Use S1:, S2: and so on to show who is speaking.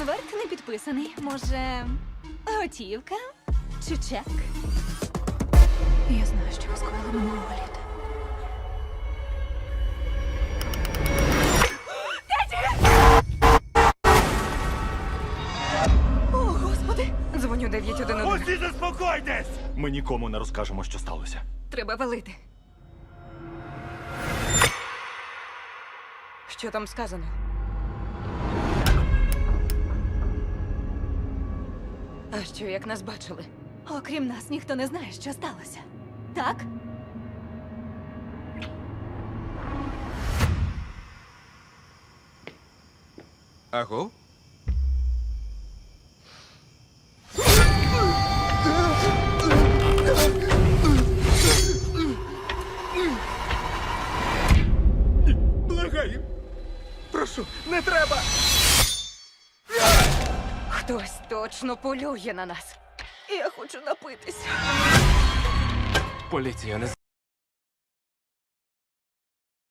S1: Конверт не підписаний. Може, готівка чи чек? Я знаю, що ви скоїли минулого літа. О, Господи!
S2: Дзвоню 911.
S3: Усі заспокойтесь! Ми нікому не розкажемо, що сталося.
S2: Треба валити. Що там сказано? А що, як нас бачили?
S1: Окрім нас, ніхто не знає, що сталося. Так?
S4: Аго? Благаю. Прошу, не треба.
S2: Хтось точно полює на нас. Я хочу напитися.
S4: Поліція не